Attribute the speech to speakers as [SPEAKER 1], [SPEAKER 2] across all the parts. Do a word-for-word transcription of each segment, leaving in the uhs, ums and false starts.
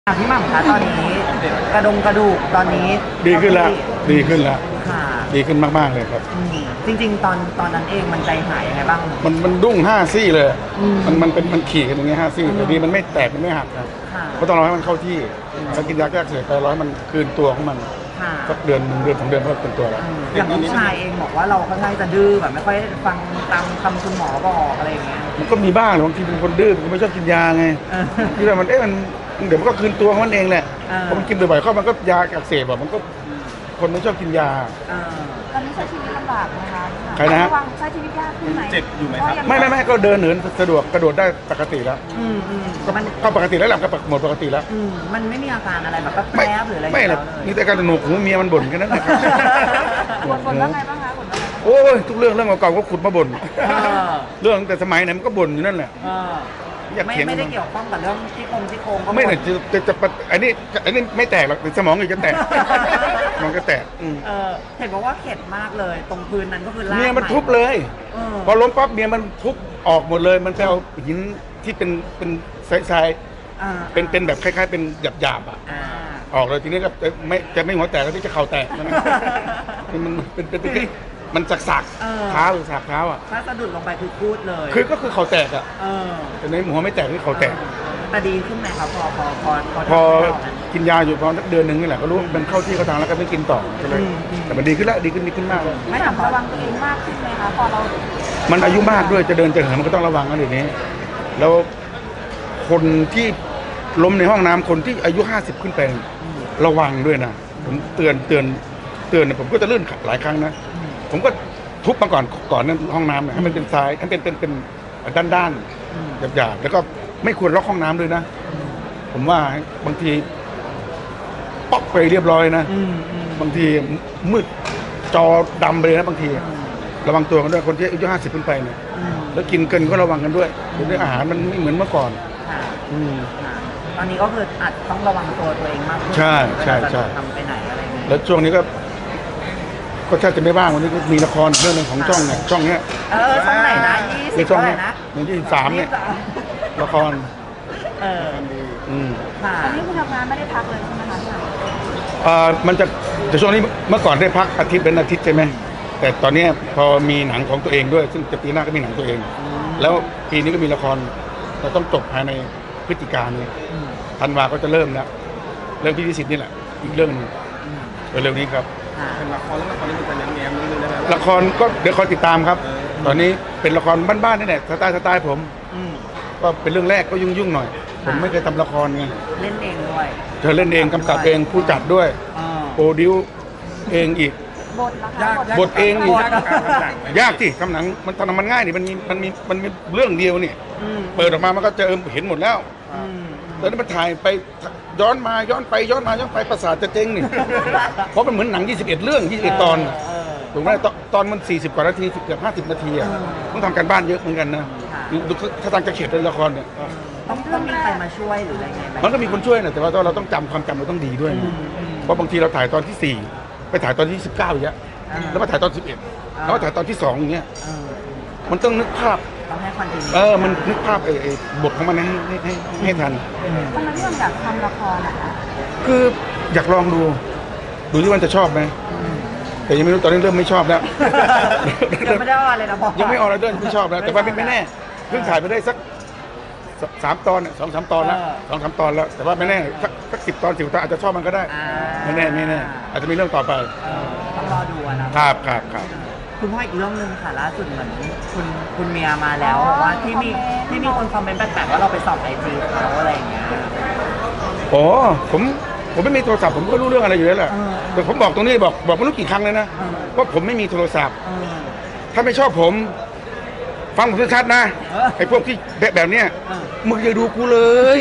[SPEAKER 1] อ่ะพี่หม่ำคะตอนนี้กระดงกระดูกตอนนี้
[SPEAKER 2] ดีขึ้นแล้วดีขึ้นแล้ว
[SPEAKER 1] ค่ะ
[SPEAKER 2] ดีขึ้นมากๆเลยครับ
[SPEAKER 1] อืมจริง ๆ ตอนตอนนั้นเองมันใจหายยังไงบ้าง
[SPEAKER 2] มันมันดุ้งห้าซี่เลย
[SPEAKER 1] อืม
[SPEAKER 2] มันมันเป็นมันขี่กันอย่างเงี้ยห้าซี่
[SPEAKER 1] อืม
[SPEAKER 2] แต่ดีมันไม่แตกมันไม่หักนะ
[SPEAKER 1] ค่ะ
[SPEAKER 2] ก็ต้องรอให้มันเข้าที่แล้วกินยาแก้อักเสบไปร้อยมันคืนตัวของมัน
[SPEAKER 1] ค่ะ
[SPEAKER 2] สักเดือนหนึ่งเดือนสองเดือนก็เป็นตัวแล้ว
[SPEAKER 1] อืมอย่างลูกชายเองบอกว่าเราค่อนข้างจะดื้อแบบไม่ค่อยฟังตามคำคุณหมอบอกอะไรอย่างเงี้ย
[SPEAKER 2] มันก็มีบ้างบางทีเป็นคนดื้อมันไม่ชอบกินยาไง
[SPEAKER 1] เออ
[SPEAKER 2] ที่ว่ามันเอ๊ะมันเดี๋ยวมันก็คืนตัวของมันเองแหละ
[SPEAKER 1] เออ
[SPEAKER 2] พอมันกินบ่อยๆเข้ามันก็ยาอักเสบแบบมันก็คนไม่ชอบกินยา
[SPEAKER 1] เออ
[SPEAKER 3] ตอนนี้ใช้ชีวิตลำบากนะคะ
[SPEAKER 2] ใครนะฮะ
[SPEAKER 3] ระวังใช้ชีวิตยากขึ้นไหม
[SPEAKER 4] เจ็บอยู่ไหมครับ
[SPEAKER 2] ไม่ไม่ไม่ก็เดินเหินสะดวกกระโดดได้ปกติแล้ว
[SPEAKER 1] อืมอืม
[SPEAKER 2] ก็
[SPEAKER 1] มัน
[SPEAKER 2] ก็ปกติแล้วหลังก็หมดปกติแล้ว
[SPEAKER 1] อืมมันไม่มีอาการอะไรแบบแป๊
[SPEAKER 2] ไม่
[SPEAKER 1] บๆหรืออะไร
[SPEAKER 2] ไม่หรอก
[SPEAKER 1] เลย
[SPEAKER 2] มีแต่การหนวกหูเมียมันบ่นแค่นั้นแหละครับ
[SPEAKER 3] บ่นบ่นว่าไงบ้างคะบ่นว่าไงบ้าง
[SPEAKER 2] โอ้ยทุกเรื่องเรื่องเก่าๆก็ขุดมาบ่น
[SPEAKER 1] เออ
[SPEAKER 2] เรื่องตั้งแต่สมัยไหนมันก็บ่นอยู่นั่นแหละ
[SPEAKER 1] เออ
[SPEAKER 2] อยาก
[SPEAKER 1] ไม่
[SPEAKER 2] เถียง
[SPEAKER 1] ไม่ได้เกี่ยวข้องกับเรื่องที่โครงที่โครงก็
[SPEAKER 2] ไม่
[SPEAKER 1] ห
[SPEAKER 2] แต่จะจะจะอันนี้อันนี้ไม่แตกหรอกแต่สมองอีกจะแตกสมองก็แตกอืม
[SPEAKER 1] เออเห็นบอกว่าเข็ดมากเลย ตรงพื้นนั้นก็คือลาก
[SPEAKER 2] เมียมัน
[SPEAKER 1] ให
[SPEAKER 2] ทุบเลย
[SPEAKER 1] เออ
[SPEAKER 2] พอล้มปั๊บเมียมันทุบออกหมดเลย มันไปเอาหินที่เป็นเป็นทราย
[SPEAKER 1] อ่า
[SPEAKER 2] ๆเป็นเป็นแบบคล้ายๆ เป็นหยาบๆอ่ะ
[SPEAKER 1] อ่า
[SPEAKER 2] ออกเลยทีนี้ก็จะไม่จะไม่หัวแตกก็ที่จะเข่าแตกนะมันเป็นเป็นเป็นมันสักสักๆ
[SPEAKER 1] เออ
[SPEAKER 2] เท้าหรือสักเท้าอ่ะ
[SPEAKER 1] ถ้าสะดุดลงไปคือพูดเลย
[SPEAKER 2] คือก็คือเข่าแตกอ่ะ
[SPEAKER 1] เออ
[SPEAKER 2] แต่ในหัวไม่แตกนี่เข่าแตก
[SPEAKER 1] แต่ดีขึ้นไหมครับพอพอพอพอ
[SPEAKER 2] พอ
[SPEAKER 1] ทำให้เรานั้น
[SPEAKER 2] กินยาอยู่พอสักเดือนหนึ่งนี่แหละก็รู้ว่ามันเข้าที่เข้าทางแล้วก็ไม่กินต่อก็เลย
[SPEAKER 1] อืมอืม
[SPEAKER 2] แต่มันดีขึ้นแล้วดีขึ้นดีขึ้นมากเลย
[SPEAKER 3] ไม่ถามระวังตัวเองมากขึ้นไหมคะพอเรา
[SPEAKER 2] มันอายุมากด้วยจะเดินจะเหินมันก็ต้องระวังกันเดี๋ยวนี้ แล้วคนที่ล้มในห้องน้ำคนที่อายุห้าสิบขึ้นไประวังด้วยนะผมเตือนเตือนเตือนเนี่ยผมก็จะลื่นหลายครั้งนะผมก็ทุบมาก่อนก่อนนั้นห้องน้ำเนี่ยให้มันเป็นทรายให้เป็นเป็นเป็นด้านด้านๆหยาบๆแล้วก็ไม่ควรล็อกห้องน้ำด้วยนะ ผมว่าบางทีป๊อกไปเรียบร้อยนะ
[SPEAKER 1] อืมอืม
[SPEAKER 2] บางทีมืดจอดำไปเลยนะบางที ระวังตัวกันด้วยคนที่อายุห้าสิบขึ้นไปเนี่ย
[SPEAKER 1] อืม
[SPEAKER 2] แล้วกินเกินก็ระวังกันด้วยเดี๋ยวนี้อาหารมันไม่เหมือนเมื่อก่อน
[SPEAKER 1] ค่ะ
[SPEAKER 2] อืม
[SPEAKER 1] ค่ะตอนนี้ก็คืออาจต้องระวังตัวตัวเองมากขึ้น
[SPEAKER 2] ใช่ใช่
[SPEAKER 1] เวลาจะ
[SPEAKER 2] ใช่
[SPEAKER 1] ทำไปไหนอะไรอย่างเงี้ย
[SPEAKER 2] แล้วช่วงนี้ก็ ก็แทบจะไม่ว่างวันนี้ก็มีละครเรื่องหนึงของช่องเนี่ยช่องเนี้ย
[SPEAKER 1] เออช่องไหนนะยี่สิ
[SPEAKER 2] ใน
[SPEAKER 1] บ
[SPEAKER 2] ช่อง
[SPEAKER 1] เท่าไหร่
[SPEAKER 2] เนี้ย
[SPEAKER 1] นะ
[SPEAKER 2] ในที่สามเนี่ย
[SPEAKER 1] ยี่สิบส
[SPEAKER 2] ละคร
[SPEAKER 1] เออ
[SPEAKER 2] อืม
[SPEAKER 1] ค่ะ
[SPEAKER 3] ตอนนี้คุณทำงานไม่ได้พักเลยใช่ไหมคะพี่หม่ำ
[SPEAKER 2] เอ่อมันจะแต่ช่วงนี้เมื่อก่อนได้พักอาทิตย์เป็นอาทิตย์ใช่ไหมแต่ตอนเนี้ยพอมีหนังของตัวเองด้วย ซึ่งจะปีหน้าก็มีหนังตัวเอง แล้วปีนี้ก็มีละครเราต้องจบภายในพฤศจิกายนนี้
[SPEAKER 1] อืม
[SPEAKER 2] ธันวาก็จะเริ่มแล้วเรื่องพี่วิสิตนี่แหละอีกเรื่องหนึง
[SPEAKER 1] อืม
[SPEAKER 2] เร็วๆนี้ครับ
[SPEAKER 1] ค่ะ
[SPEAKER 4] เป็นละครแล้วละครนี่มันจะแง้มๆนิดนึงได้ไหม
[SPEAKER 2] ละครก็เดี๋ยวคอยติดตามครับ ตอนนี้เป็นละครบ้านๆนี่แหละสไตล์สไตล์ผม
[SPEAKER 1] อืม
[SPEAKER 2] ก็เป็นเรื่องแรกก็ยุ่งๆหน่อย ผมไม่เคยทำละครไง
[SPEAKER 1] เล่นเองด้วย
[SPEAKER 2] เธอเล่นเองกำกับเองผู้จัดด้วย
[SPEAKER 1] เออ
[SPEAKER 2] โปรดิวเองอีก
[SPEAKER 3] บทนะคะ
[SPEAKER 4] ยาก
[SPEAKER 3] บท
[SPEAKER 2] บทเองอีก
[SPEAKER 4] ยากกับการทำหนังไหม
[SPEAKER 2] ยากที่ทำหนังมันทำมันง่ายนี่มันมีมันมีมันมีเรื่องเดียวนี่
[SPEAKER 1] อืม
[SPEAKER 2] เปิดออกมามันก็จะเห็นหมดแล้ว
[SPEAKER 1] อืม
[SPEAKER 2] แล้วนี่มันถ่ายไปย้อนมาย้อนไปย้อนมาย้อนไปประสาทจะเจ๊งนี่ เพราะมันเหมือนหนังยี่สิบเอ็ดเรื่องยี่สิบเอ็ดตอน
[SPEAKER 1] เออ
[SPEAKER 2] ถูกไหมตอนตอนมันสี่สิบกว่านาทีเกือบห้าสิบนาทีอ่ะ
[SPEAKER 1] อืม
[SPEAKER 2] ต้องทำการบ้านเยอะเหมือนกันนะ
[SPEAKER 1] ค่ะ
[SPEAKER 2] ดูถ้าทางจะเขียนในละครเนี่ย
[SPEAKER 1] ต้องต้องมีใครมาช่วยหรืออะไรไงไห
[SPEAKER 2] มันก็มีคนช่วยนะแต่ว่าเราต้องจำความจำเราต้องดีด้วย
[SPEAKER 1] อื
[SPEAKER 2] นะ
[SPEAKER 1] มอืม
[SPEAKER 2] เพราะบางทีเราถ่ายตอนที่สี่ไปถ่ายตอนที่สิบเก้าอย่างเงี้ย
[SPEAKER 1] อ่า
[SPEAKER 2] แล้วมาถ่ายตอนสิบเอ็ด
[SPEAKER 1] อ่า
[SPEAKER 2] แล้วมาถ่ายตอนที่สองอย่างเงี้ย
[SPEAKER 1] เออ
[SPEAKER 2] มันต้องนึกภาพ
[SPEAKER 1] ต้องให้คอนติเนีย
[SPEAKER 2] เออมันนึกภาพไอ้ไอ้บทของมันให้ให้ให้ให้ทัน
[SPEAKER 3] ทำไมพี่หม่ำอยากทำละครนะคะ
[SPEAKER 2] คืออยากลองดู ดูที่มันจะชอบไหมแต่ยังไม่รู้ตอนนี้เริ่มไม่ชอบแล้ว
[SPEAKER 1] ยังไม่ได้ว่าอะไรนะบอก
[SPEAKER 2] ยังไม่ออกแล้วด้วยไม่ชอบแล้วแต่ว่าไม่ไม่แน่เพิ่งถ่ายไปได้สักสสามตอนเนี่ยสองสามตอนแล้วสองสามตอนแล้ว แต่ว่าไม่แน่สักสักสิบตอนสิบตอนอาจจะชอบมันก็ได้
[SPEAKER 1] อ่า
[SPEAKER 2] ไม่แน่ไม่แน่อาจจะมีเรื่องต่อไป
[SPEAKER 1] เออต้องรอดูอะนะครับ
[SPEAKER 2] ครับครับ
[SPEAKER 1] คุณพ่ออีกเรื่องหนึ่งค่ะล่าสุดเหมือนคุณคุณเมียมาแล้วบอกว่าที่มีที่มีคนคอมเมนต์แปลกๆว่าเราไปส่องไอจีเขาอะไรอย่างเงี้ย
[SPEAKER 2] อ๋อผมผมไม่มีโทรศัพท์ผมก็รู้เรื่องอะไรอยู่แล้วแหละ
[SPEAKER 1] เออ
[SPEAKER 2] แต่ผมบอกตรงนี้บอกบอกไม่รู้กี่ครั้งเลยนะ
[SPEAKER 1] เออ
[SPEAKER 2] ว่าผมไม่มีโทรศัพท์
[SPEAKER 1] เออ
[SPEAKER 2] ถ้าไม่ชอบผม ฟังผมชัดๆนะ
[SPEAKER 1] เออ
[SPEAKER 2] ไอ้พวกที่แบบแบบเนี้ย
[SPEAKER 1] เออ
[SPEAKER 2] มึงอย่าดูกูเลย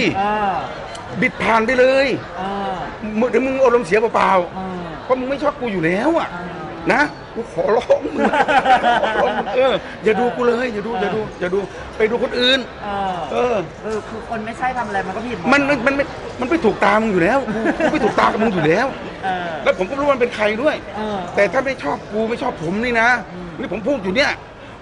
[SPEAKER 1] เออ
[SPEAKER 2] บิดผ่านไปเลย
[SPEAKER 1] เออ
[SPEAKER 2] มึงเดี๋ยวมึงอารมณ์เสียเปล่า
[SPEAKER 1] เออ
[SPEAKER 2] ๆเพราะมึงไม่ชอบกูอยู่แล้วอ่ะ
[SPEAKER 1] เออ
[SPEAKER 2] นะกูขอร้องมึงขอร้องมึงเอออย่าดูกูเลยอย่าดูอย่าดูอย่าดูไปดูคนอื่น
[SPEAKER 1] เออ
[SPEAKER 2] เออ
[SPEAKER 1] เออคือคนไม่ใช่ทำอะไรมันก็ผิดหด
[SPEAKER 2] มันมันมันไม่มันไม่ถูกตามึงอยู่แล้วกูกูไม่ถูกตากับมึงอยู่แล้ว
[SPEAKER 1] เออ
[SPEAKER 2] แล้วผมก็รู้ว่ามันเป็นใครด้วย
[SPEAKER 1] เออ
[SPEAKER 2] แต่ถ้าไม่ชอบกูไม่ชอบผมนี่นะ
[SPEAKER 1] อืม
[SPEAKER 2] นี่ผมพูดอยู่เนี่ย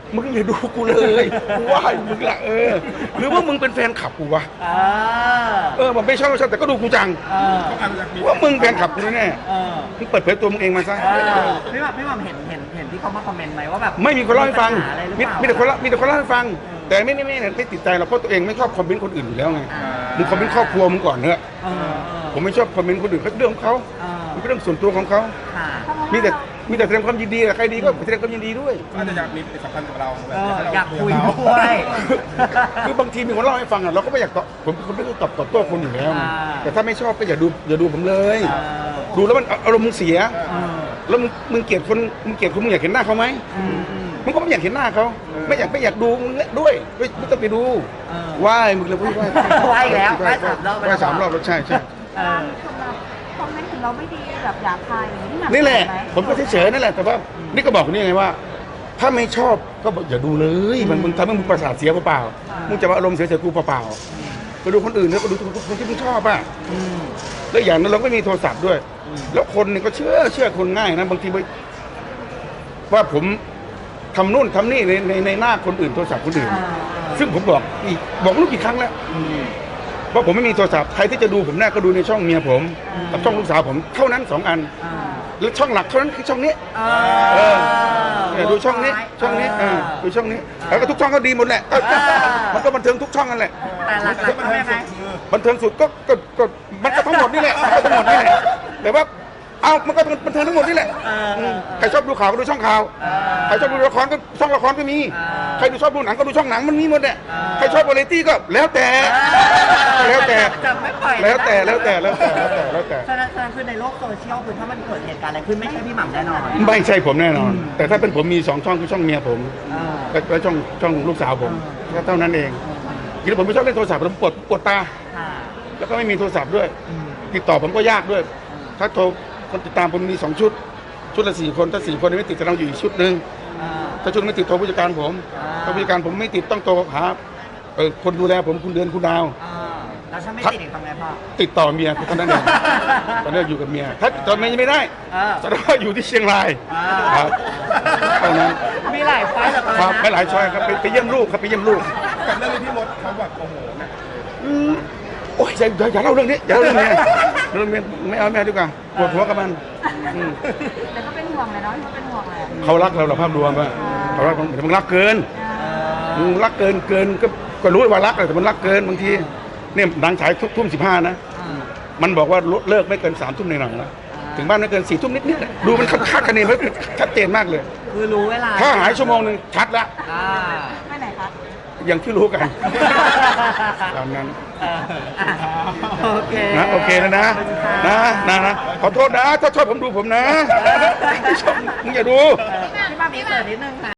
[SPEAKER 2] มึงอย่าดูกูเลยกูว่าอยู่มึงละเออหรือว่ามึงเป็นแฟนขับกูวะ
[SPEAKER 1] เออ
[SPEAKER 2] เออผมไม่ชอบไม่ชอบแต่ก็ดูกูจัง
[SPEAKER 1] เออ
[SPEAKER 4] เขาอาจจะมี
[SPEAKER 2] ว่ามึงแฟนขับกูแน่
[SPEAKER 1] เออ
[SPEAKER 2] ๆมึงเปิดเผยตัวมึงเองมาซะ
[SPEAKER 1] เออพี่หม่ำพี่หม่ำเห็นเห็นเห็นที่เขามาคอมเมนต์ไหมว่าแบบ
[SPEAKER 2] ไม่มีคนเล่าให้ฟัง
[SPEAKER 1] ปัญหาอะไรหรือ
[SPEAKER 2] มี
[SPEAKER 1] เปล่า
[SPEAKER 2] มีแต่คนเล่ามีแต่คนเล่าให้ฟัง แต่ไม่ไม่ไม่ไม่ไม่ติดใจหรอกเพราะตัวเองไม่ชอบคอมเมนต์คนอื่นอยู่แล้วไง
[SPEAKER 1] อ่า
[SPEAKER 2] มึงคอมเมนต์ครอบครัวมึงก่อนเถอะ
[SPEAKER 1] เออเออ
[SPEAKER 2] ผมไม่ชอบคอมเมนต์คนอื่นเขาเรื่องของเขา
[SPEAKER 1] เออ
[SPEAKER 2] มันเป็นเรื่องส่วนตัวของเขา
[SPEAKER 1] ค่ะ
[SPEAKER 2] มีแต่มีแต่แสดงความยินดีกับใครดีก็แสดงความยินดีด้วย
[SPEAKER 4] อาจจะอยากมีปฏิสัมพันธ์กับเราแบบ
[SPEAKER 1] เออ
[SPEAKER 4] ให้เร
[SPEAKER 1] อยากคุย
[SPEAKER 4] กับ
[SPEAKER 1] ด้วย
[SPEAKER 2] คือบางทีมีคนเล่าให้ฟังอ่ะเราก็ไม่อยากตอบผมผมไม่ได้ตอบตอบโต้คนอยู่แล้วไง
[SPEAKER 1] อ่า
[SPEAKER 2] แต่ถ้าไม่ชอบก็อย่าดูอย่าดูผมเลย
[SPEAKER 1] เออ
[SPEAKER 2] ดูแล้วมันอารมณ์มึงเสีย
[SPEAKER 1] เออ
[SPEAKER 2] แล้วมึงมึงเกลียดคนมึงเกลียดคนมึงอยากเห็นหน้าเขาไหม
[SPEAKER 1] อืมอืม
[SPEAKER 2] มึงก็ไม่อยากเห็นหน้าเขาไม่อยากไม่อยากดูมึงด้วยไม่ไม่ต้องไปดู
[SPEAKER 1] เออ
[SPEAKER 2] ไหว้มึงเลยไหว้
[SPEAKER 1] ไหว้อีกแล้วไหว้สามรอบ
[SPEAKER 2] ไหว้สามรอบแล้วใช่ใช่
[SPEAKER 1] เออ
[SPEAKER 3] คอมเมนต์ถึงเราไม่ดีแบบหยาบคายอย่างนี้พี่หม่ำ
[SPEAKER 2] นี่แหละ
[SPEAKER 3] เห็ไ
[SPEAKER 2] ผมก็เฉยๆนั่นแหละแต่ว่านี่ก็บอกคนนี้ไงว่า ถ้าไม่ชอบก็บอกอย่าดูเลยมันมึงทำให้มึงประสาทเสียเปล่าๆมึงจะมาอารมณ์เสียเสียกูเปล่าๆไปดูคนอื่นแล้วก็ดูคนที่มึงชอบอ่ะ
[SPEAKER 1] อืม
[SPEAKER 2] แล้วอย่างนั้นเราก็มีโทรศัพท์ด้วย แล้วคนนี่ก็เชื่อเชื่อคนง่ายนะบางทีไปว่าผมทำนู่นทำนี่ในในในหน้าคนอื่นโทรศัพท์คนอื่น
[SPEAKER 1] อ่า
[SPEAKER 2] ซึ่งผมบอกอีกบอกไม่รู้กี่ครั้งแล้ว
[SPEAKER 1] อืม
[SPEAKER 2] ว่าผมไม่มีโทรศัพท์ใครที่จะดูผมหน้าก็ดูในช่องเมียผม
[SPEAKER 1] อืม
[SPEAKER 2] กับช่องลูกสาวผมเท่านั้นสองอัน
[SPEAKER 1] อ่า
[SPEAKER 2] แล้วช่องหลักเท่านั้นคือช่องนี้
[SPEAKER 1] เอ
[SPEAKER 2] เอ
[SPEAKER 1] อ
[SPEAKER 2] อเนี่ยดูช่องนี้ช่องนี้เออดูช่องนี้แล้วก็ทุกช่องก็ดีหมดแหละก็ก็มันก็บันเทิงทุกช่องนั่นแหละ
[SPEAKER 1] แต่หลักๆก็ยังไง
[SPEAKER 2] บันเทิงสุดก็ก็ก็มันก็ทั้งหมดนี่แหละมันก็ทั้งหมดนี่แหละแต่ว่าเอามันก็บันเทิงทั้งหมดนี่แหละ
[SPEAKER 1] เออเออ
[SPEAKER 2] ใครชอบดูข่าวก็ดูช่องข่าว
[SPEAKER 1] เออ
[SPEAKER 2] ใครชอบดูละครก็ช่องละครก็มี
[SPEAKER 1] เออ
[SPEAKER 2] ใครดูชอบดูหนังก็ดูช่องหนังมันมีหมดแหละ
[SPEAKER 1] เออ
[SPEAKER 2] ใครชอบวาไรตี้ก็แล้วแต่ แล้วแต่
[SPEAKER 1] จะไม่ปล่อยนะ
[SPEAKER 2] แล้วแต่แล้วแต่แล้วแต่แล้วแต่แล้วแต่
[SPEAKER 1] ฉะนั้นฉะนั้นคือในโลกโซเชียลคือถ้ามันเกิดเหตุการณ์อะไรขึ้นไม่ใช่พี่หม่ำแน่นอน
[SPEAKER 2] ไม่ใช่ผมแน่นอน
[SPEAKER 1] อืม
[SPEAKER 2] แต่ถ้าเป็นผมมีสองช่องคือช่องเมียผม
[SPEAKER 1] เออ
[SPEAKER 2] และและช่องช่องลูกสาวผมแค่เท่านั้นเองทีนี้ผมไม่ชอบเล่นโทรศัพท์ผมปวดปวดตา
[SPEAKER 1] ค่ะ
[SPEAKER 2] แล้วก็ไม่มีโทรศัพท์ด้วย
[SPEAKER 1] อืม
[SPEAKER 2] ติดต่อผมก็ยากด้วย ถ้าโทรคนติดตามผมมีสองชุด ชุดละสี่คนถ้าสี่คนไม่ติดจะเราอยู่อีกชุดหนึ่ง
[SPEAKER 1] เออ
[SPEAKER 2] ถ้าชุดไม่ติดโทรผู้จัดการผม
[SPEAKER 1] อ่า
[SPEAKER 2] ถ้าผู้จัดการผมไม่ติดต้องโทรหาเออคนดูแลผมคุณเดือนคุณดาว
[SPEAKER 1] เออแล้วถ้าไม่ติดอีกทำไงพ่อ
[SPEAKER 2] ติดต่อเมียเท่านั้นเองตอนนี้อยู่กับเมียถ้าตอนนี้ไม่ได้
[SPEAKER 1] เออ
[SPEAKER 2] แสดงว่าอยู่ที่เชียงราย
[SPEAKER 1] อ่า
[SPEAKER 2] ครับเท่านั้น
[SPEAKER 1] มีหลายไฟล์เหลือเกิน
[SPEAKER 2] ครับ
[SPEAKER 1] นะ
[SPEAKER 2] ไม่หลายช้อยครับไปไปเยี่ยมลูกครับไปเยี่ยมลูก
[SPEAKER 4] กับเรื่องนี้พี่มดเขาแบบโอ้โหหนัก
[SPEAKER 2] อืมโอ้ยอย่าอย่าอย่าเล่าเรื่องนี้อย่าเล่าเรื่องนี้เรื่องนี้ไม่เอาไม่เอาดีกว่าปวดหัวกับมันอืม
[SPEAKER 3] แต่ก็เป็นห่วงเลยเนาะเขาเป็นห่วงแหละ
[SPEAKER 2] เขารักเราเหราภาพรวมอะเขารักผมแต่มันรักเกิน
[SPEAKER 3] อ่า
[SPEAKER 2] มึงรักเกินเกินก็ก็รู้ว่ารักแต่มันรักเกินบางทีเนี่ยหนังฉายทุกทุ่มสิบห้านะ
[SPEAKER 1] อืม
[SPEAKER 2] มันบอกว่าเลิกไม่เกินสามทุ่มในหนังนะถึงบ้านไม่เกินสี่ทุ่มนิดๆนะดูมันคาดคะเนไว้ชัดเจนมากเลย
[SPEAKER 1] คือรู้เวลา
[SPEAKER 2] ถ้าหายชั่วโมงหนึ่งชัดละ
[SPEAKER 1] อ่า
[SPEAKER 3] ไปไหนคะ
[SPEAKER 2] อย่างที่รู้กันตามนั้น
[SPEAKER 1] เอออ่ะโอเค
[SPEAKER 2] นะโอเคแล้วนะ
[SPEAKER 1] ขอบคุณค่ะ
[SPEAKER 2] นะนะนะขอโทษนะถ้าชอบผมดูผมนะไม่ชอบมึงอย่าดู
[SPEAKER 1] พี่หม่ำมีเสิร์ฟนิดนึงค่ะ